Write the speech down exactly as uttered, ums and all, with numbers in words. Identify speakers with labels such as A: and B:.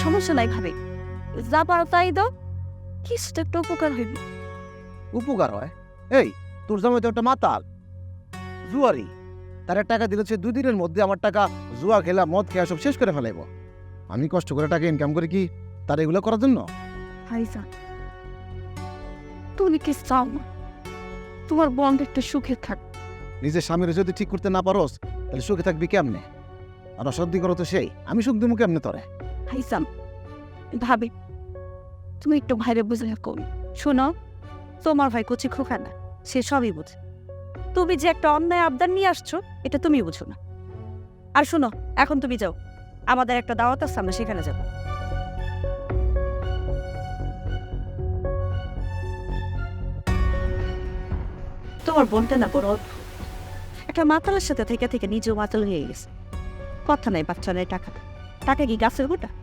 A: সমস্যা নাই ভাবি, যা পারো তাই দাও, কিছু তো একটা উপকার হইবে।
B: উপকার হয়? এই তোর জামাই তো একটা মাতাল, জুয়ারি। তার টাকা দিলে সে দুই দিনের মধ্যে আমার টাকা জুয়া খেলা মদ খেয়া সব শেষ করে ফেলাইব। আমি কষ্ট করে টাকা ইনকাম করি কি তার এগুলো করার জন্য?
A: ভাইজান, তুমি কি চাও না তোমার বন্ধ একটু সুখে থাক?
B: নিজের স্বামীর যদি ঠিক করতে না পারোস তাহলে সুখে থাকবি কেমনে? আর অসদ্ধি করো তো সেই, আমি সুখ দিব কেমনে তোরে?
A: ভাইজান, ভাবি তুমি একটু ভাইরে বুঝে করি। শোনো, তোমার ভাই কচি খোকা না, সে সবই বুঝে। তুমি যে একটা অন্যায় আবদার নিয়ে আসছো এটা তুমি বুঝো না। আর শোনো, এখন তুমি যাও, আমাদের একটা দাওয়াত আছে, আমরা সেখানে যাব। তোমার বোনটা না বড় অদ্ভুত। একটা মাতালের সাথে থেকে থেকে নিজেও মাতাল হয়ে গেছে। কথা নাই, বাচ্চা নাই, টাকা নাই। টাকা কি গাছের গোটা?